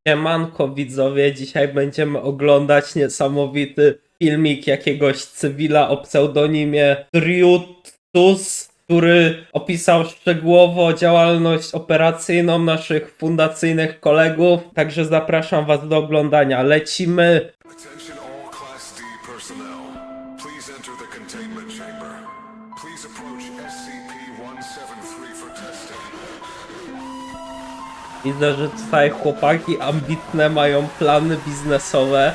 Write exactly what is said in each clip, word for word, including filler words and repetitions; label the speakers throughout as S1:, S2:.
S1: Siemanko widzowie, dzisiaj będziemy oglądać niesamowity filmik jakiegoś cywila o pseudonimie Driutus, który opisał szczegółowo działalność operacyjną naszych fundacyjnych kolegów, także zapraszam was do oglądania. Lecimy!
S2: Attention all Class D personnel. Please enter the containment chamber. Please approach S C P one seven three for testing.
S1: Widzę, że tutaj chłopaki ambitne mają plany biznesowe.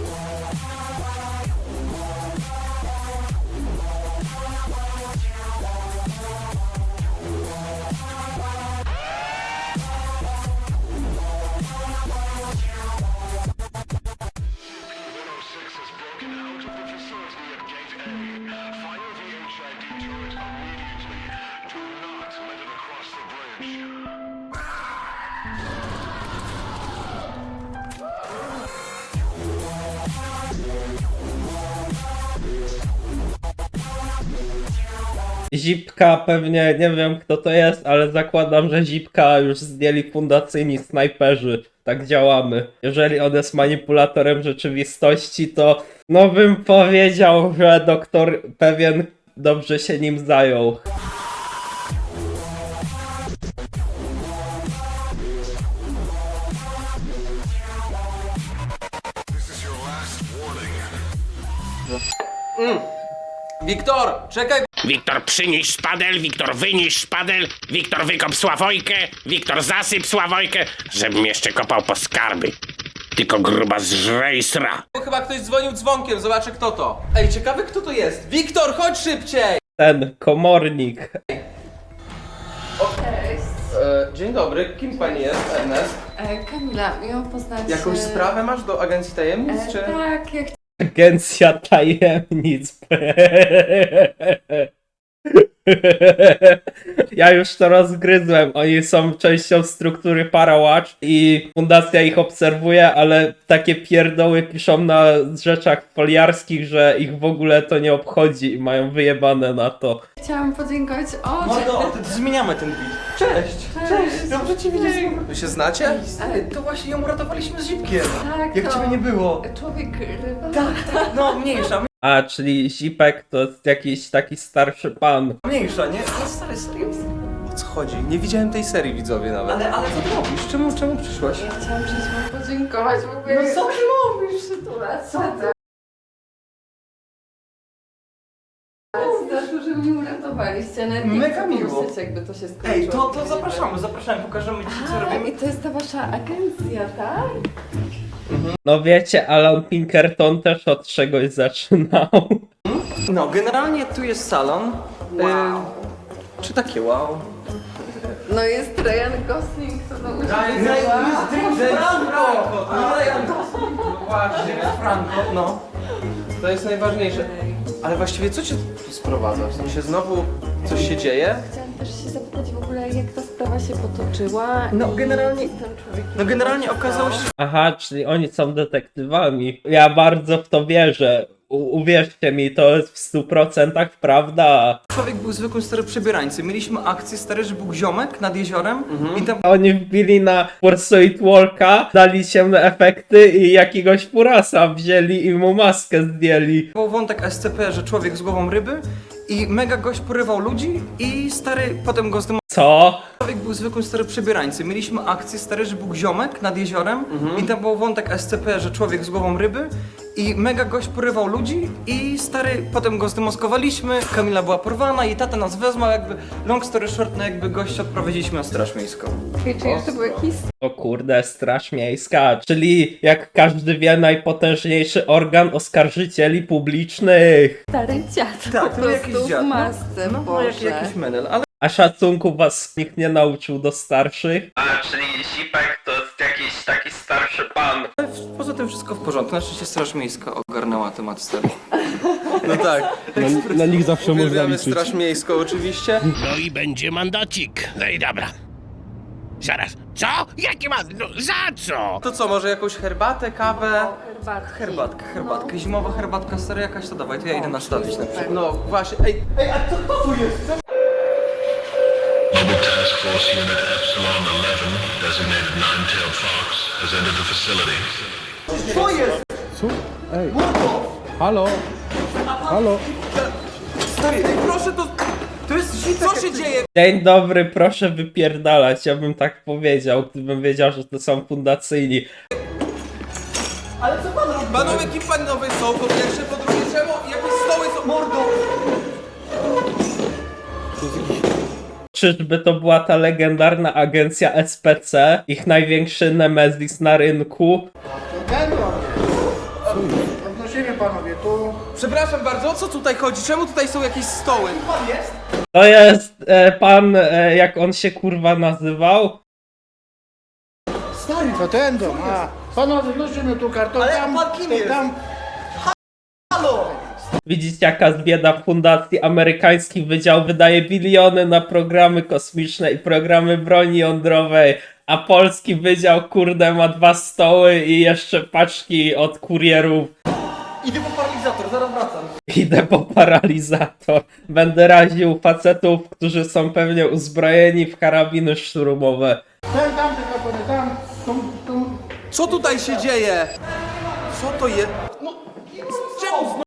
S1: Zipka pewnie, nie wiem kto to jest, ale zakładam, że Zipka już zdjęli fundacyjni snajperzy. Tak działamy. Jeżeli on jest manipulatorem rzeczywistości, to no bym powiedział, że doktor pewien dobrze się nim zajął.
S2: This is your last warning.
S3: Wiktor, czekaj!
S4: Wiktor, przynieś szpadel, Wiktor, wynieś szpadel, Wiktor, wykop Sławojkę, Wiktor, zasyp Sławojkę, żebym jeszcze kopał po skarby. Tylko gruba zżre i sra.
S3: Bo chyba ktoś dzwonił dzwonkiem, zobaczę kto to. Ej, ciekawy kto to jest. Wiktor, chodź szybciej!
S1: Ten komornik.
S5: Cześć.
S3: E, dzień dobry, kim pani jest, Ernest?
S5: E, Kamila, miło poznać...
S3: Jakąś
S5: e,
S3: sprawę masz do Agencji Tajemnic,
S5: e,
S3: czy...
S5: Tak, ja
S1: Agencja tajemnic. Ja już to rozgryzłem. Oni są częścią struktury Parawatch i fundacja ich obserwuje, ale takie pierdoły piszą na rzeczach foliarskich, że ich w ogóle to nie obchodzi i mają wyjebane na to.
S5: chciałam podziękować... O,
S3: Mordo, to zmieniamy ten beat. Cześć! Cześć! Dobrze cię widzieć! Wy się znacie? Stary, to właśnie ją uratowaliśmy z Zipkiem.
S5: tak,
S3: Jak
S5: to
S3: ciebie nie było.
S5: Człowiek ryba.
S3: Tak, tak, no mniejsza,
S1: A, czyli Zipek to jest jakiś taki starszy pan.
S3: mniejsza, nie? No stary, serio? O co chodzi? Nie widziałem tej serii, widzowie, nawet. Ale, ale co ty robisz? Czemu, czemu przyszłaś?
S5: Ja chciałam przyjść wam podziękować w ogóle.
S3: No co ty
S5: mówisz, sytuacja? Co ty? Za to, że mnie uratowaliście. Nawet nie
S3: Mega
S5: chcę
S3: miło.
S5: pomyśleć, jakby to się skończyło.
S3: Ej, to, to zapraszamy, zapraszamy, pokażemy ci co
S5: A,
S3: robimy.
S5: i to jest ta wasza agencja, tak?
S1: No wiecie, Alan Pinkerton też od czegoś zaczynał.
S3: No, generalnie tu jest salon.
S5: Wow.
S3: Y, czy takie wow?
S5: No jest Ryan Gosling, to no
S3: Franco! Ryan Gosling! Właśnie, Franco, no. To jest najważniejsze. Ale właściwie co cię tu sprowadza? W sensie znowu coś się dzieje?
S5: Chciałam też się zapytać w ogóle, jak ta sprawa się potoczyła.
S3: No,
S5: i
S3: generalnie-
S5: co z tym człowiekiem
S3: No generalnie
S5: się
S3: okazało się,
S5: stało.
S1: Aha, czyli oni są detektywami. Ja bardzo w to wierzę. U- uwierzcie mi, to jest w stu procentach prawda.
S3: że człowiek był zwykłym stary przebierańcem. Mieliśmy akcję stary, że był ziomek nad jeziorem i tam
S1: Oni wbili na Pursuit Walka, dali ciemne efekty i jakiegoś furasa wzięli i mu maskę zdjęli.
S3: był wątek S C P, że człowiek z głową ryby i mega gość porywał ludzi i stary potem go zdemolował.
S1: Co?
S3: Człowiek był zwykłym stary przebierańcem. Mieliśmy akcję stary, że był ziomek nad jeziorem i tam był wątek S C P, że człowiek z głową ryby i mega gość porywał ludzi i stary potem go zdemoskowaliśmy. Kamila była porwana i tata nas wezwał, jakby long story short, no jakby gościa odprowadziliśmy na straż miejską.
S5: Okej, czy jeszcze był jakiś
S1: O kurde, Straż Miejska, czyli jak każdy wie, najpotężniejszy organ oskarżycieli publicznych.
S5: stary dziad
S3: Tak,
S5: po
S3: to jakiś
S5: prostu
S3: dziad,
S5: w
S3: no.
S5: masce,
S3: No, no
S5: Boże.
S3: jak, jakiś menel, ale
S1: A szacunku was nikt nie nauczył do starszych? A, czyli Zipek to jest jakiś taki starszy pan.
S3: w- poza tym wszystko w porządku. Na szczęście straż miejska ogarnęła temat stary. No tak.
S6: Na, na nich zawsze można
S3: Uwielbiamy
S6: liczyć.
S3: straż miejską oczywiście.
S4: No i będzie mandacik. No i dobra. Zaraz. Co? Jaki ma... No za co?
S3: To co, może jakąś herbatę, kawę?
S5: Herbatki.
S3: Herbatkę, herbatkę.
S5: No.
S3: Zimowa herbatka stary jakaś, to dawaj, to ja idę nastawić na
S5: super.
S3: przykład. No właśnie, ej, ej, a co, kto tu jest?
S7: Żeby
S2: Task Force Unit Epsilon eleven, designated Nine-Tailed Fox, has entered the facility.
S3: Co jest?
S6: Co? Ej. Halo? Halo?
S3: Stary, ej, proszę, to... To jest zipek. Co się dzieje?
S1: Dzień dobry, proszę wypierdalać, ja bym tak powiedział, gdybym wiedział, że to są fundacyjni.
S3: Ale co pan robi?
S7: Panowie, kim panowie są? Po pierwsze, po drugie, czemu jakieś stoły są...
S3: Mordo!
S1: Czyżby to była ta legendarna agencja S P C, ich największy nemezis na rynku?
S8: Odnosimy panowie, tu
S7: Przepraszam bardzo, o co tutaj chodzi? Czemu tutaj są jakieś stoły?
S3: Pan jest?
S1: To jest e, pan, e, jak on się kurwa nazywał?
S3: Stary,
S8: to ten dom, a panowie wnosimy tu karton,
S3: Ale
S8: tam,
S3: pan kim
S8: to
S3: jest?
S8: tam.
S3: halo!
S1: Widzicie, jaka bieda fundacji. Amerykański wydział wydaje biliony na programy kosmiczne i programy broni jądrowej, a polski wydział, kurde, ma dwa stoły i jeszcze paczki od kurierów.
S3: Idę po paralizator, zaraz wracam.
S1: Idę po paralizator. Będę raził facetów, którzy są pewnie uzbrojeni w karabiny szturmowe.
S8: Ten, tam, te kartony, tam, tu, tu.
S7: Co tutaj się dzieje? Co to jest? No, czemu?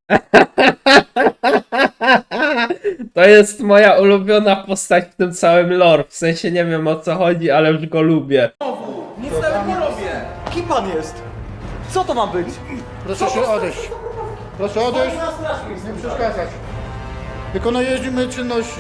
S1: To jest moja ulubiona postać w tym całym lore. W sensie nie wiem o co chodzi, ale już go lubię.
S7: Nic nawet nie robię.
S3: Kim pan jest? Co to ma być?
S8: Proszę się odejść. Proszę odejść,
S3: Na straż miejską.
S8: nie przeszkadzać. Wykonujemy czynności.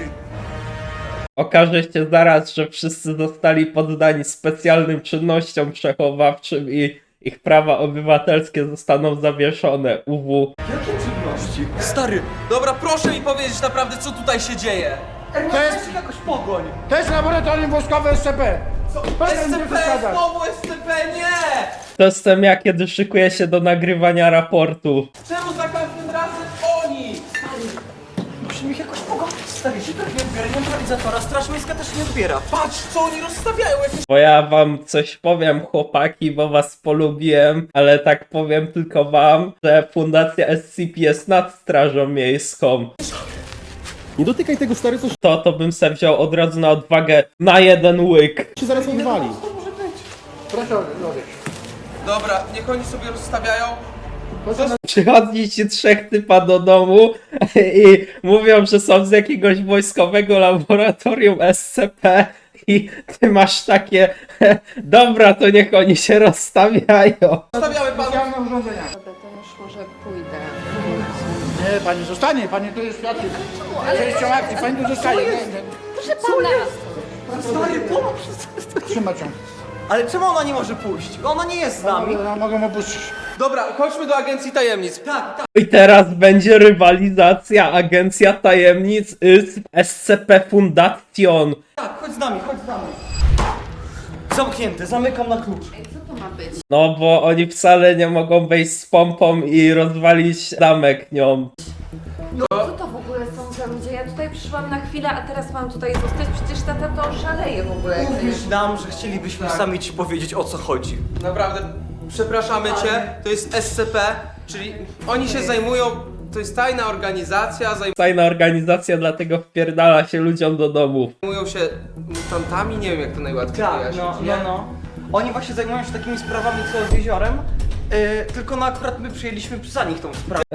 S1: Okaże się zaraz, że wszyscy zostali poddani specjalnym czynnościom przechowawczym i ich prawa obywatelskie zostaną zawieszone. U W.
S3: Jakie czynności?
S7: Stary, dobra, proszę mi powiedzieć naprawdę, co tutaj się dzieje.
S3: Ej,
S8: To jest-
S3: jest jakoś pogoń.
S8: To jest laboratorium wojskowe S C P. Proszę nie
S7: S C P,
S8: przeszkadzać.
S7: znowu S C P, nie!
S1: To jestem ja, kiedy szykuję się do nagrywania raportu.
S7: Czemu za każdym razem oni?
S3: Musimy ich jakoś pogodzić, stary. Zipek nie odbiera, nie ma paralizatora, straż miejska też nie odbiera.
S7: Patrz, co oni rozstawiają, jakieś...
S1: Bo ja wam coś powiem, chłopaki, bo was polubiłem, ale tak powiem tylko wam, że Fundacja S C P jest nad Strażą Miejską.
S6: Nie dotykaj tego, stary, coś
S1: To, to bym se wziął od razu na odwagę na jeden łyk.
S6: się zaraz odwali.
S8: Proszę odejść.
S7: Dobra, niech oni sobie rozstawiają.
S8: Proszę
S1: Przychodzi ci trzech typa do domu i mówią, że są z jakiegoś wojskowego laboratorium S C P i ty masz takie, dobra, to niech oni się rozstawiają.
S7: Rozstawiamy panu.
S8: specjalne urządzenia.
S5: Dobra, to już może pójdę.
S8: Nie, pani zostanie, pani tu jest świadkiem. Częścią akcji, pani tu zostaje. Nie, nie.
S5: Proszę pana!
S3: Stary, pomóż.
S8: Trzymać ją.
S3: Ale czemu ona nie może pójść? Ona nie jest z nami.
S8: Mogę, mogę opuścić.
S7: Dobra, chodźmy do Agencji Tajemnic.
S3: Tak, tak.
S1: I teraz będzie rywalizacja, agencja tajemnic z S C P Fundation.
S3: Tak, chodź z nami, chodź z nami. Zamknięte, zamykam na klucz.
S5: Ej, co to ma być?
S1: No bo oni wcale nie mogą wejść z pompą i rozwalić zamek nią.
S5: Co to w ogóle są za ludzie? Ja tutaj przyszłam na chwilę, a teraz mam tutaj zostać. Przecież tata to szaleje w ogóle. jak to
S3: Mówisz
S5: jest.
S3: nam, że chcielibyśmy sami ci powiedzieć, o co chodzi.
S7: Naprawdę, przepraszamy cię, to jest S C P, czyli oni się zajmują, to jest tajna organizacja,
S1: Tajna organizacja dlatego wpierdala się ludziom do domów.
S7: zajmują się mutantami, nie wiem jak to najłatwiej
S3: Tak,
S7: wyjaśnić,
S3: no,
S7: nie?
S3: no, no. Oni właśnie zajmują się takimi sprawami co z jeziorem, yy, tylko no akurat my przyjęliśmy za nich tą sprawę.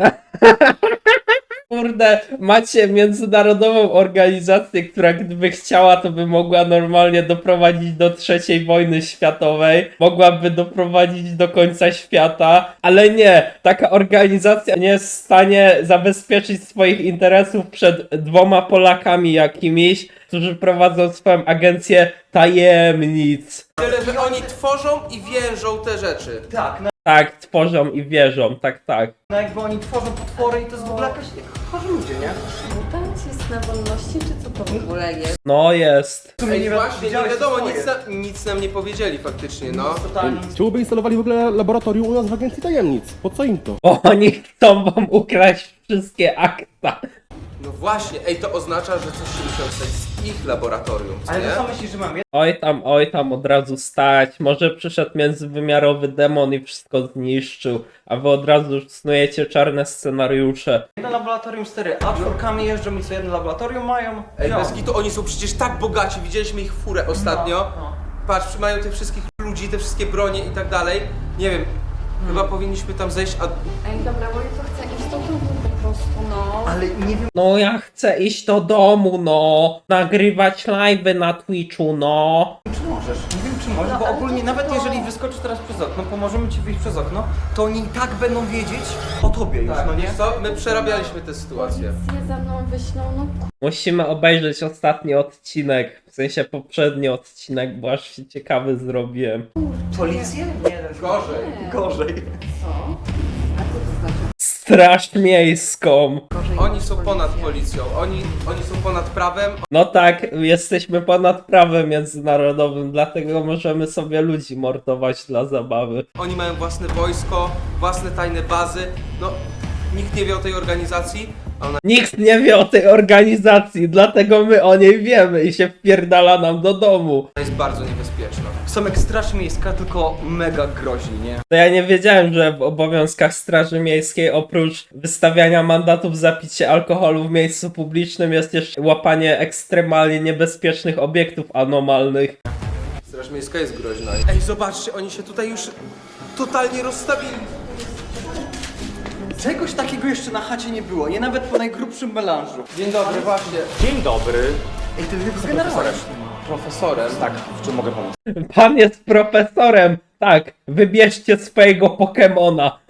S1: Kurde, macie międzynarodową organizację, która gdyby chciała, to by mogła normalnie doprowadzić do trzeciej wojny światowej, mogłaby doprowadzić do końca świata, ale nie, taka organizacja nie jest w stanie zabezpieczyć swoich interesów przed dwoma Polakami jakimiś, którzy prowadzą swoją agencję tajemnic.
S7: Tyle, że oni tworzą i więżą te rzeczy.
S3: Tak, no,
S1: Tak, tworzą i wierzą, tak, tak.
S3: no jakby oni tworzą potwory i to jest w ogóle jakaś chorzy ludzie, nie?
S5: Mutant jest na wolności, czy co to w ogóle jest?
S1: No jest.
S3: W sumie
S7: Ej,
S3: nie wi-
S7: właśnie, nie
S3: wiedziałeś,
S7: wiadomo,
S3: co to
S7: nic,
S3: jest.
S7: na, nic nam nie powiedzieli faktycznie, no.
S3: Totalnie.
S6: Czemu by instalowali w ogóle laboratorium u nas w Agencji Tajemnic? Po co im to?
S1: Bo oni chcą wam ukraść wszystkie akta.
S7: No właśnie, ej, to oznacza, że coś się musiało stać z ich laboratorium, co
S3: Ale
S7: nie?
S3: to co myślisz, że mam?
S1: Oj tam, oj tam, od razu stać. Może przyszedł międzywymiarowy demon i wszystko zniszczył, a wy od razu już snujecie czarne scenariusze.
S3: Jedno laboratorium cztery, a czwórkami jeżdżą i co jedno laboratorium mają?
S7: Ej,
S3: No.
S7: bez gitu, oni są przecież tak bogaci, widzieliśmy ich furę ostatnio.
S3: No, no.
S7: Patrz, mają tych wszystkich ludzi, te wszystkie bronie i tak dalej. Nie wiem, chyba powinniśmy tam zejść, a...
S5: Ej, dobra, bo ja to chcę iść do domu po prostu, no.
S3: Ale nie wiem,
S1: No ja chcę iść do domu, no. Nagrywać live'y na Twitchu, no.
S3: czy możesz. Nie wiem, czy możesz,
S5: No,
S3: bo
S5: ale
S3: ogólnie
S5: to
S3: nawet
S5: co?
S3: jeżeli wyskoczysz teraz przez okno, pomożemy ci wyjść przez okno, to oni i tak będą wiedzieć o tobie już, no nie?
S7: Wiesz co, my przerabialiśmy tę sytuację.
S5: Policję za mną wyślą, no
S1: Musimy obejrzeć ostatni odcinek, w sensie poprzedni odcinek, bo aż się ciekawy zrobiłem.
S3: Policję? Nie,
S7: Gorzej.
S3: Gorzej.
S5: co? A co to znaczy?
S1: Straż miejską.
S5: Gorzej
S7: Oni
S5: niż
S7: są
S5: policja?
S7: ponad policją, oni, oni są ponad prawem.
S1: No tak, jesteśmy ponad prawem międzynarodowym, dlatego możemy sobie ludzi mordować dla zabawy.
S7: Oni mają własne wojsko, własne tajne bazy. No, nikt nie wie o tej organizacji, a ona
S1: Nikt nie wie o tej organizacji, dlatego my o niej wiemy i się wpierdala nam do domu.
S7: jest bardzo niebezpieczna.
S3: Są jak straż miejska, tylko mega groźni, nie?
S1: To ja nie wiedziałem, że w obowiązkach Straży Miejskiej oprócz wystawiania mandatów za picie alkoholu w miejscu publicznym jest jeszcze łapanie ekstremalnie niebezpiecznych obiektów anomalnych.
S7: Straż Miejska jest groźna. Ej, zobaczcie, oni się tutaj już totalnie rozstawili.
S3: Czegoś takiego jeszcze na chacie nie było, nie nawet po najgrubszym melanżu.
S7: Dzień dobry, właśnie.
S8: Dzień dobry.
S3: Ej, ty jest generałem.
S7: Profesorem.
S8: Tak, w czym mogę pomóc?
S1: Pan jest profesorem. Tak, wybierzcie swojego Pokemona.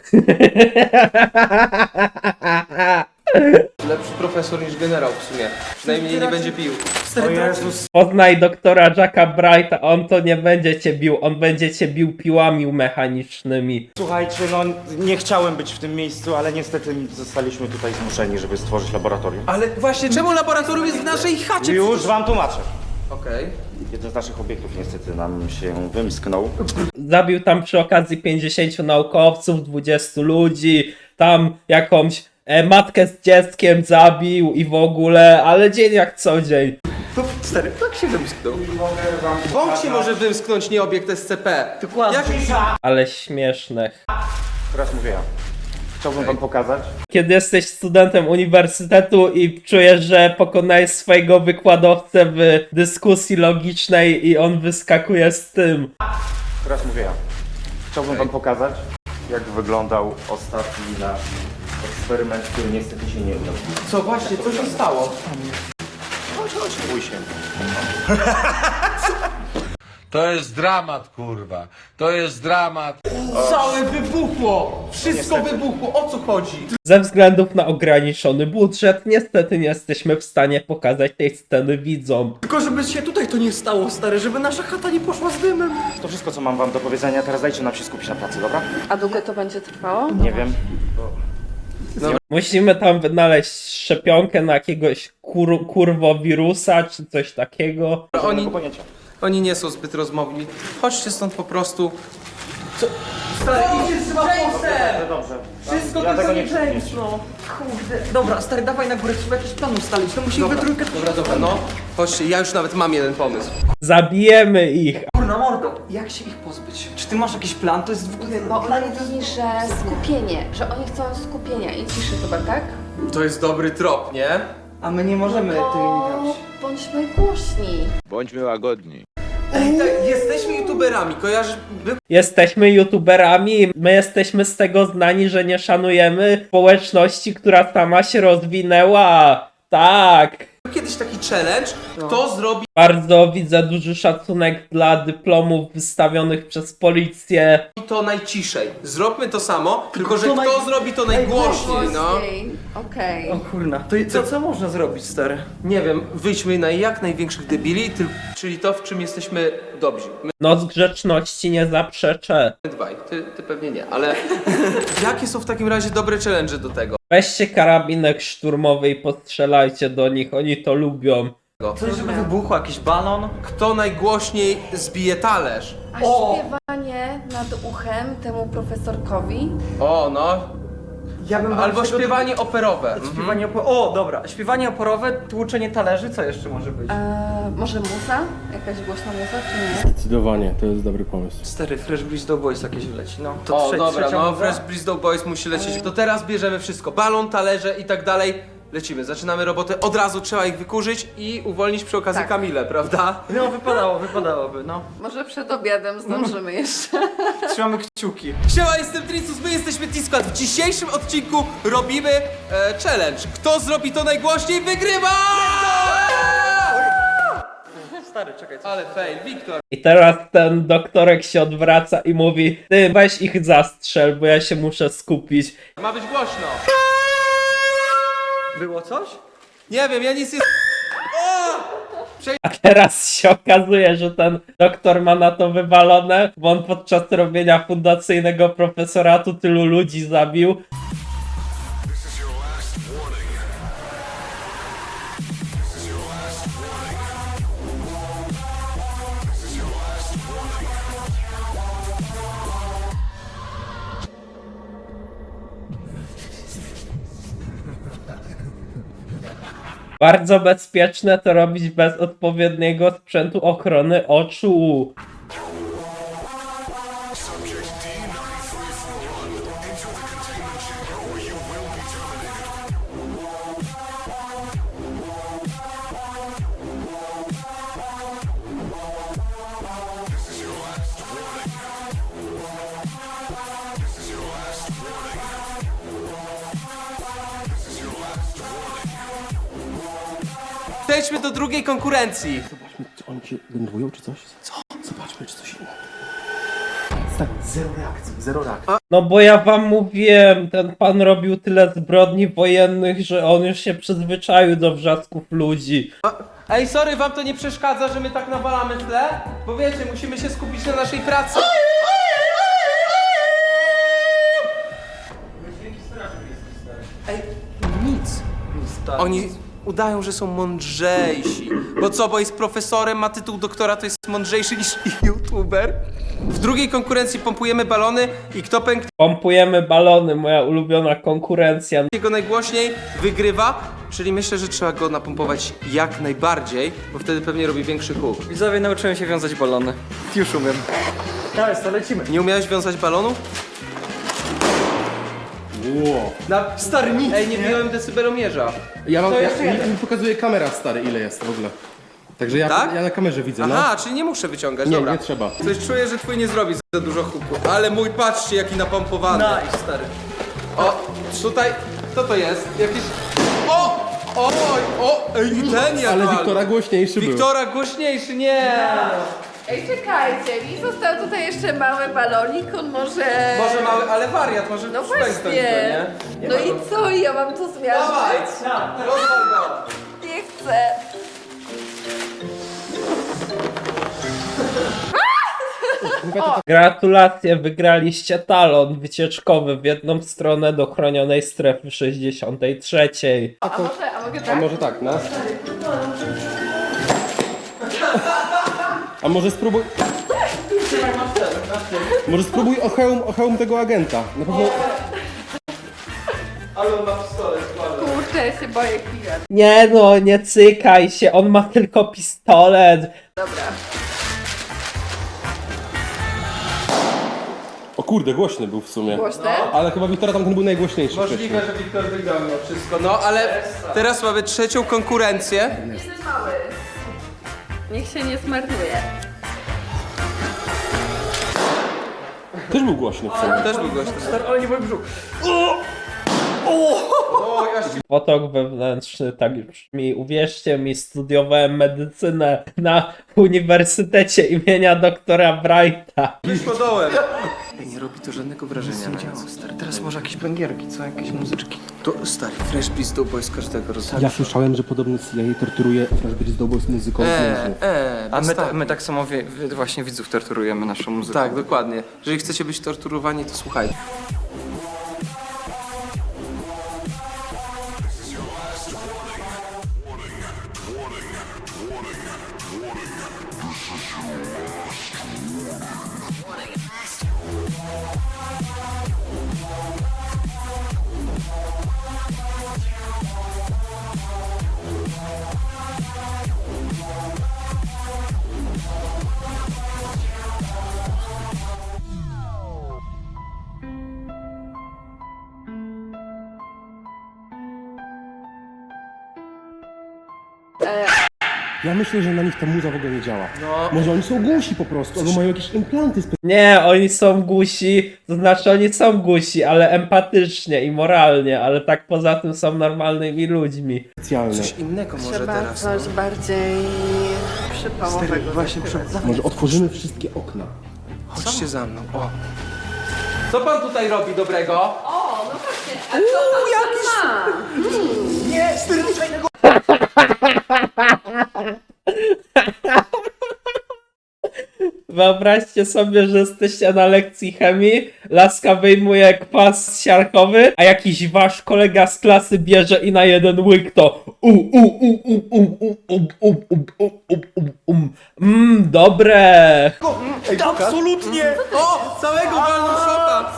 S7: Lepszy profesor niż generał w sumie. Przynajmniej nie będzie pił.
S3: Stary, teraz
S1: Poznaj doktora Jacka Brighta, on to nie będzie cię bił, on będzie cię bił piłami mechanicznymi.
S9: Słuchajcie, no nie chciałem być w tym miejscu, ale niestety zostaliśmy tutaj zmuszeni, żeby stworzyć laboratorium.
S7: Ale właśnie, czemu laboratorium jest w naszej chacie?
S9: Już wam tłumaczę.
S7: Okej.
S9: Jeden z naszych obiektów niestety nam się wymsknął.
S1: Zabił tam przy okazji pięćdziesięciu naukowców, dwudziestu ludzi, tam jakąś e, matkę z dzieckiem zabił i w ogóle, ale dzień jak co dzień.
S3: to, stary, tak się wymsknął.
S7: Bąk się może wymsknąć, nie obiekt S C P.
S3: Dokładnie.
S7: Jak...
S1: Ale śmieszne.
S9: Teraz mówię ja. Chciałbym wam pokazać.
S1: Kiedy jesteś studentem uniwersytetu i czujesz, że pokonałeś swojego wykładowcę w dyskusji logicznej i on wyskakuje z tym.
S9: Teraz mówię ja. Chciałbym wam pokazać, jak wyglądał ostatni nasz eksperyment, który niestety się nie udał.
S7: Co właśnie, co się stało?
S9: Chodź, chodź, bój się.
S10: To jest dramat, kurwa. To jest dramat.
S7: Całe wybuchło! Wszystko wybuchło, o co chodzi?
S1: Ze względów na ograniczony budżet, niestety nie jesteśmy w stanie pokazać tej sceny widzom.
S3: Tylko żeby się tutaj to nie stało, stary, żeby nasza chata nie poszła z dymem.
S9: To wszystko, co mam wam do powiedzenia. Teraz dajcie nam się skupić na pracy, dobra?
S5: A długo to będzie trwało?
S9: Nie wiem.
S1: Musimy tam wynaleźć szczepionkę na jakiegoś kur kurwowirusa czy coś takiego.
S9: Oni...
S7: Oni,
S9: pojęcia.
S7: oni nie są zbyt rozmowni. Chodźcie stąd po prostu. Co? Stary, idzie z Jamesem!
S9: Dobrze.
S7: Wszystko
S9: Ja
S7: to
S9: tego
S7: jest
S9: nie
S7: James,
S9: chcę.
S7: no.
S3: Kurde. Dobra, stary, dawaj na górę, trzeba jakiś plan ustalić. No musimy we
S7: Dobra,
S3: trójkę...
S7: dobra, dobra, no. Chodźcie, ja już nawet mam jeden pomysł.
S1: Zabijemy ich.
S3: Kurna mordo, jak się ich pozbyć? Czy ty masz jakiś plan? To jest w ogóle...
S5: Bo on mówi, że skupienie, że oni chcą skupienia i ciszy chyba, tak?
S7: To jest dobry trop, nie?
S3: A my nie możemy tymi
S5: To
S3: grać.
S5: bądźmy głośni.
S10: Bądźmy łagodni.
S7: Ej, tak, jesteśmy youtuberami, kojarzysz? By...
S1: Jesteśmy youtuberami, my jesteśmy z tego znani, że nie szanujemy społeczności, która sama się rozwinęła. Tak.
S7: Kiedyś taki challenge, kto zrobi
S1: Bardzo widzę duży szacunek dla dyplomów wystawionych przez policję.
S7: to najciszej. Zróbmy to samo, tylko że
S3: kto
S7: kto
S3: naj-
S7: zrobi to najgłośniej, no.
S5: Głośniej. Okej.
S3: O kurna, to co, co można zrobić, stary?
S7: Nie wiem, wyjdźmy na jak największych debili, ty, czyli to, w czym jesteśmy dobrzy. My
S1: Noc grzeczności nie zaprzeczę.
S7: dwaj, ty, ty pewnie nie, ale jakie są w takim razie dobre challenge do tego?
S1: Weźcie karabinek szturmowy i postrzelajcie do nich, oni to lubią.
S3: Coś, żeby wybuchło, jakiś balon?
S7: Kto najgłośniej zbije talerz?
S5: A
S3: O!
S5: śpiewanie nad uchem temu profesorkowi?
S7: O, no.
S3: Ja bym
S7: Albo
S3: bardziej
S7: śpiewanie operowe.
S3: do... Śpiewanie opo... O, dobra. Śpiewanie oporowe, tłuczenie talerzy, co jeszcze może być?
S5: Eee, może muza? Jakaś głośna muza, czy nie?
S6: Zdecydowanie, to jest dobry pomysł.
S3: Stary, Fresh Breeze Do Boys jakieś wleci, no. To
S7: O,
S3: trze-
S7: dobra,
S3: trzecia
S7: no
S3: muza?
S7: Fresh Breeze Do Boys musi lecieć. To teraz bierzemy wszystko. Balon, talerze i tak dalej. Lecimy, zaczynamy robotę. Od razu trzeba ich wykurzyć i uwolnić przy okazji
S5: Tak.
S7: Kamilę, prawda?
S3: No, wypadało, wypadałoby, no.
S5: Może przed obiadem zdążymy jeszcze.
S3: Trzymamy kciuki.
S7: Siema, jestem Tricus, my jesteśmy T-Squad. W dzisiejszym odcinku robimy e, challenge. Kto zrobi to najgłośniej, wygrywa!
S3: Stary, czekaj, co?
S7: Ale fail, Wiktor.
S1: I teraz ten doktorek się odwraca i mówi: ty weź ich zastrzel, bo ja się muszę skupić.
S7: Ma być głośno.
S3: Było coś?
S7: Nie wiem, ja nic nie...
S1: A teraz się okazuje, że ten doktor ma na to wywalone, bo on podczas robienia fundacyjnego profesoratu tylu ludzi zabił.
S2: This is your last warning. This is your last warning. This is your last warning.
S1: Bardzo bezpieczne to robić bez odpowiedniego sprzętu ochrony oczu.
S2: Subject D nine three four one. Enter the containment chamber or you will be terminated. This is your last warning. This is your last warning. This is your last warning.
S7: Przejdźmy do drugiej konkurencji.
S6: Zobaczmy, czy oni się denerwują, czy coś? Co? Zobaczmy, czy coś innego. Tak, zero reakcji, zero reakcji.
S1: No bo ja wam mówiłem, ten pan robił tyle zbrodni wojennych, że on już się przyzwyczaił do wrzasków ludzi.
S7: Ej, sorry, wam to nie przeszkadza, że my tak nawalamy w tle? Bo wiecie, musimy się skupić na naszej pracy. Ej, nic.
S3: Stary.
S7: Oni udają, że są mądrzejsi. Bo co, bo jest profesorem, ma tytuł doktora, to jest mądrzejszy niż youtuber? W drugiej konkurencji pompujemy balony i kto pęknie
S1: Pompujemy balony, moja ulubiona konkurencja.
S7: go najgłośniej, wygrywa. Czyli myślę, że trzeba go napompować jak najbardziej, bo wtedy pewnie robi większy huk.
S3: Widzowie, nauczyłem się wiązać balony. Już umiem. Dawaj, to lecimy.
S7: Nie umiałeś wiązać balonu?
S6: Wow.
S7: Na...
S3: Stary, nic,
S7: Ej, nie
S3: nie?
S7: biłem decybelomierza.
S6: Ja mam,
S3: To
S6: ja,
S3: jeszcze
S6: mi,
S3: jeden.
S6: mi pokazuje kamera, stary, ile jest w ogóle. Także ja,
S7: Tak?
S6: ja na kamerze widzę,
S7: Aha, czyli nie muszę wyciągać,
S6: no. Nie,
S7: dobra.
S6: nie trzeba.
S7: Coś czuję, że twój nie zrobi za dużo huku. Ale mój, patrzcie, jaki napompowany.
S3: Nice, stary.
S7: O, tutaj, co to jest? Jakiś... O! Oj, o! Ej, i ten jak
S6: Ale
S7: walnął.
S6: Wiktora głośniejszy był.
S7: Wiktora głośniejszy, nie!
S5: Ej, czekajcie, mi został tutaj jeszcze mały balonik, on może...
S7: Może mały, ale wariat, może
S5: No
S7: pęknąć go,
S5: właśnie.
S7: nie? Nie
S5: No
S7: ma
S5: i
S7: problemu.
S5: co, ja mam to
S7: Dawaj!
S5: zmiażdżyć?
S7: Rozwal go!
S5: Nie chcę.
S1: Gratulacje, wygraliście talon wycieczkowy w jedną stronę do chronionej strefy sześćdziesiątej trzeciej.
S5: A może, a mogę
S6: A
S5: tak?
S6: może tak, no? A może spróbuj... Może spróbuj o hełm, o hełm tego agenta. Na pewno...
S7: Ale on ma pistolet, składa.
S5: Kurczę, ja się boję klienta.
S1: Nie no, nie cykaj się, on ma tylko pistolet.
S5: Dobra.
S6: O kurde, głośny był w sumie.
S5: Głośne?
S6: Ale chyba Wiktora tamten był najgłośniejszy
S7: Możliwe,
S6: wcześniej.
S7: że Wiktor wygrał mimo wszystko. No, ale teraz mamy trzecią konkurencję.
S5: Jestem mały. Niech się nie zmarnuje.
S6: Też był głośny w sumie.
S7: Też był gość.
S3: Stary, ale nie mój brzuch.
S7: Oj, aż ci...
S1: Potok wewnętrzny, tak już brzmi. Uwierzcie mi, studiowałem medycynę na Uniwersytecie imienia doktora Brighta.
S7: Wyszło dołem.
S3: Nie robi to żadnego wrażenia na nas, stary. Teraz może jakieś bęgierki, co? Jakieś muzyczki. To, stary, Fresh Breeze Do Boys każdego rozumie.
S6: Ja słyszałem, że podobny C I A torturuje Fresh Breeze Do Boys muzyką z
S7: Eee,
S6: więźniów.
S7: eee,
S3: A my,
S7: tak.
S3: ta, my tak samo wie, wie, właśnie widzów torturujemy naszą muzyką.
S7: Tak, dokładnie. Jeżeli chcecie być torturowani, to słuchajcie.
S6: Ja myślę, że na nich ta muza w ogóle nie działa.
S7: No.
S6: Może oni są głusi po prostu, albo mają jakieś implanty
S1: Nie, oni są gusi, to znaczy oni są gusi, ale empatycznie i moralnie, ale tak poza tym są normalnymi ludźmi.
S6: specjalne.
S7: Coś innego może
S5: Trzeba
S7: teraz.
S5: coś
S7: No.
S5: bardziej przypałowego.
S3: Właśnie przy...
S6: Może otworzymy wszystkie okna.
S7: Chodźcie za mną. O. Co pan tutaj robi dobrego?
S5: O, no właśnie, a co tam ma?
S1: Wyobraźcie sobie, że jesteście na lekcji chemii, laska wyjmuje kwas siarkowy, a jakiś wasz kolega z klasy bierze i na jeden łyk to u u u u u u u u u u u u um. Mmm, dobre!
S7: Absolutnie! O! Całego walną szota!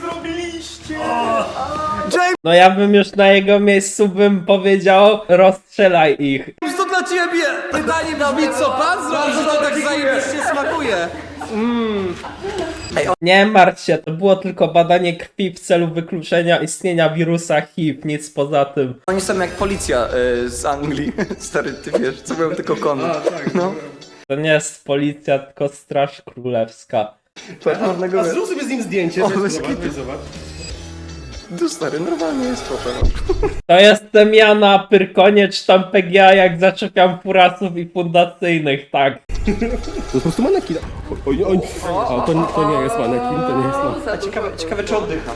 S1: No ja bym już na jego miejscu bym powiedział, rozstrzelaj ich.
S7: To dla ciebie! Pytanie brzmi, co pan zrobi, że to tak zajebiście smakuje?
S1: Nie martw się, to było tylko badanie krwi w celu wykluczenia istnienia wirusa H I V, nic poza tym.
S3: Oni są jak policja y, z Anglii. Stary, ty wiesz, co mają tylko kony. No.
S1: To nie jest policja, tylko straż królewska.
S3: Czarnego
S6: Zrób sobie z nim zdjęcie,
S3: O,
S6: weź,
S3: bez
S6: zobacz,
S3: kitu.
S6: weź, zobacz.
S3: Tu stary, normalnie jest foto.
S1: To jestem ja na Pyrkonie, czy tam P G A, jak zaczepiam furasów i fundacyjnych, tak.
S6: To jest po prostu manekin. Oj, oj, oj. A to, nie- to nie jest manekin, to nie jest manekin.
S3: A ciekawe, ciekawe czy oddycha.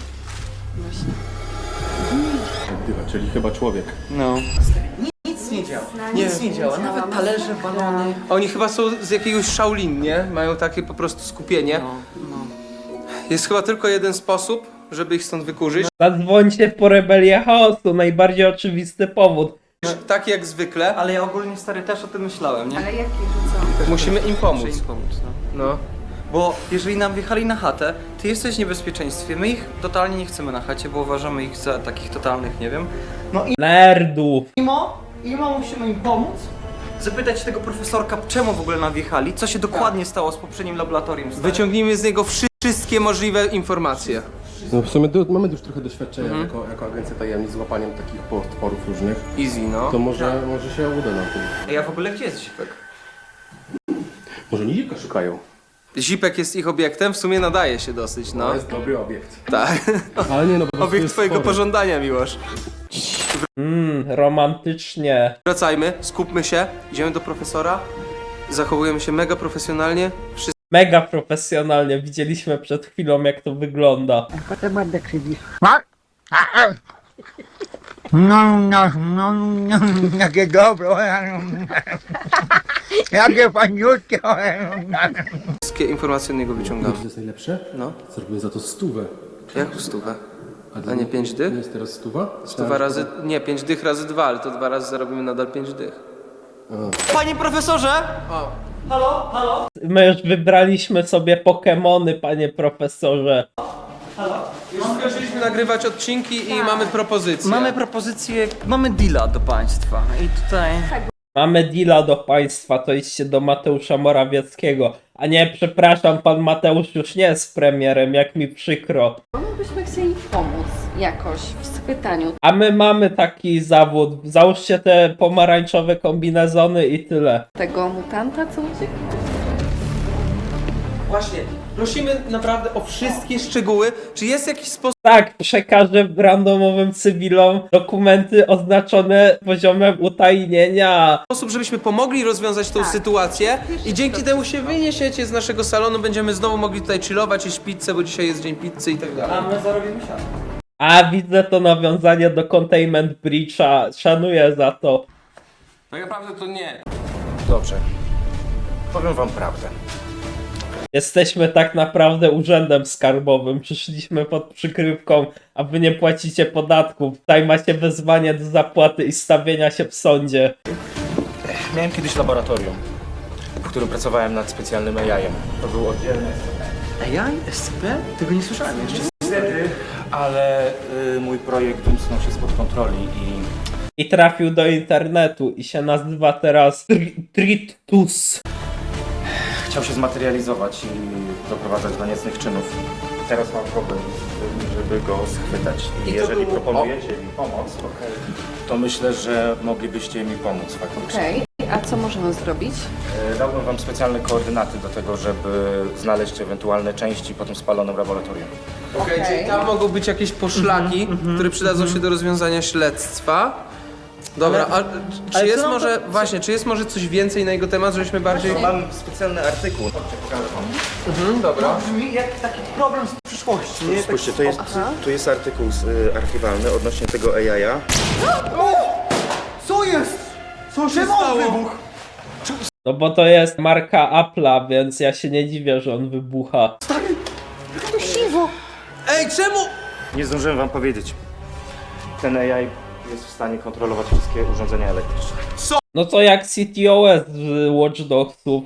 S6: Oddycha, czyli chyba człowiek.
S3: No. Nic nie działa. Nic nie działa. Nawet talerze, balony.
S7: Oni chyba są z jakiegoś Shaolin, nie? Mają takie po prostu skupienie.
S3: No, no.
S7: Jest chyba tylko jeden sposób, żeby ich stąd wykurzyć.
S1: Zadzwońcie po rebelię chaosu, najbardziej oczywisty powód.
S7: Tak jak zwykle,
S3: Ale ja ogólnie stary też o tym myślałem, nie?
S5: Ale jaki, że co?
S7: musimy im pomóc.
S3: Muszę im pomóc, no.
S7: No.
S3: Bo jeżeli nam wjechali na chatę, ty jesteś w niebezpieczeństwie. My ich totalnie nie chcemy na chacie, bo uważamy ich za takich totalnych, nie wiem. No i
S1: Nerdów.
S3: Imo, Imo musimy im pomóc. Zapytać tego profesorka, czemu w ogóle nam wjechali, co się dokładnie stało z poprzednim laboratorium. stary.
S7: Wyciągnijmy z niego wszy- wszystkie możliwe informacje.
S6: No w sumie do, mamy już trochę doświadczenia jako, jako agencja tajemnic z łapaniem takich potworów różnych.
S7: Easy, no.
S6: To może, może się uda nam tym.
S3: Ej, a w ogóle gdzie jest Zipek?
S6: Może nie dzika szukają.
S7: Zipek jest ich obiektem, w sumie nadaje się dosyć, no.
S6: To jest dobry obiekt.
S7: Tak.
S6: Ale nie no, po prostu
S7: Obiekt
S6: jest
S7: twojego
S6: spory.
S7: pożądania, Miłosz.
S1: Mmm, romantycznie.
S7: Wracajmy, skupmy się, idziemy do profesora. Zachowujemy się mega profesjonalnie. Wszyscy
S1: Mega profesjonalnie, widzieliśmy przed chwilą jak to wygląda.
S8: No, no, no, no, jakie dobre, jakie paniutkie.
S7: wszystkie informacje od niego wyciągamy.
S6: To jest najlepsze?
S7: No.
S6: Zrobimy za to stówę.
S7: Jak stówę?
S6: dla
S7: A nie pięć dych?
S6: Nie jest teraz stuwa?
S7: Stuwa razy... Nie, pięć dych razy dwa, ale to dwa razy zarobimy nadal pięć dych.
S3: Panie profesorze! Halo, halo?
S1: My już wybraliśmy sobie Pokemony, panie profesorze.
S7: Już skończyliśmy nagrywać odcinki i mamy propozycję.
S3: Mamy propozycję, mamy deala do państwa i tutaj...
S1: Mamy deala do państwa, to idźcie do Mateusza Morawieckiego. A nie, przepraszam, pan Mateusz już nie jest premierem, jak mi przykro.
S5: Byśmy chcieli pomóc jakoś w schwytaniu
S1: A my mamy taki zawód. Załóżcie te pomarańczowe kombinezony i tyle.
S5: tego mutanta, co uciekł.
S7: Właśnie, prosimy naprawdę o wszystkie szczegóły. Czy jest jakiś sposób,
S1: Tak, przekażę randomowym cywilom dokumenty oznaczone poziomem utajnienia.
S7: żebyśmy pomogli rozwiązać tą sytuację i dzięki temu się wyniesiecie z naszego salonu, będziemy znowu mogli tutaj chillować, jeść pizzę, bo dzisiaj jest dzień pizzy i tak dalej.
S3: A my zarobimy siano.
S1: A widzę to nawiązanie do Containment Breacha. Szanuję za to.
S10: Tak naprawdę to nie.
S9: Dobrze. Powiem wam prawdę.
S1: Jesteśmy tak naprawdę urzędem skarbowym. Przyszliśmy pod przykrywką, a wy nie płacicie podatków. Tutaj macie wezwanie do zapłaty i stawienia się w sądzie.
S9: Miałem kiedyś laboratorium, w którym pracowałem nad specjalnym A I-em. To był oddzielny.
S3: A ja? S C P? Tego nie słyszałem jeszcze.
S9: Niestety ale y, mój projekt wymknął się spod kontroli i
S1: I trafił do internetu i się nazywa teraz Tri- Tritus.
S9: chciał się zmaterializować i doprowadzać do niecnych czynów. Teraz mam problem, żeby go schwytać. I,
S7: I to
S9: jeżeli
S7: było-
S9: proponujecie mi pomoc, to myślę, że moglibyście mi pomóc faktycznie.
S5: Okej, a co możemy zrobić?
S9: E, Dałbym wam specjalne koordynaty do tego, żeby znaleźć ewentualne części po tym spalonym laboratorium.
S7: Okej, czyli tam mogą być jakieś poszlaki, które przydadzą się do rozwiązania śledztwa. Dobra, a czy
S3: ale
S7: jest
S3: co nam
S7: może,
S3: to-
S7: właśnie, czy jest może coś więcej na jego temat, żebyśmy bardziej...
S9: Mam specjalny artykuł. Chodźcie, pokażę wam.
S7: Mhm, dobra.
S3: Brzmi jak taki problem z przyszłości, nie?
S9: Spójrzcie, to jest, tu jest artykuł z, y, archiwalny odnośnie tego A I-a.
S3: Co jest? Co się stało?
S1: No bo to jest marka Apple'a, więc ja się nie dziwię, że on wybucha.
S7: Ej, czemu?
S9: Nie zdążyłem wam powiedzieć. Ten A I jest w stanie kontrolować wszystkie urządzenia elektryczne.
S1: No to jak C T O S z Watch Dogsów.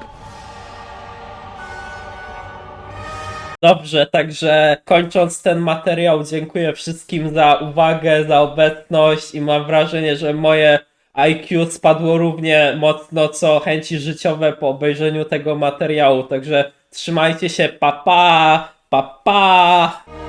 S1: Dobrze, także kończąc ten materiał, dziękuję wszystkim za uwagę, za obecność i mam wrażenie, że moje I Q spadło równie mocno co chęci życiowe po obejrzeniu tego materiału, także trzymajcie się, pa pa, pa pa.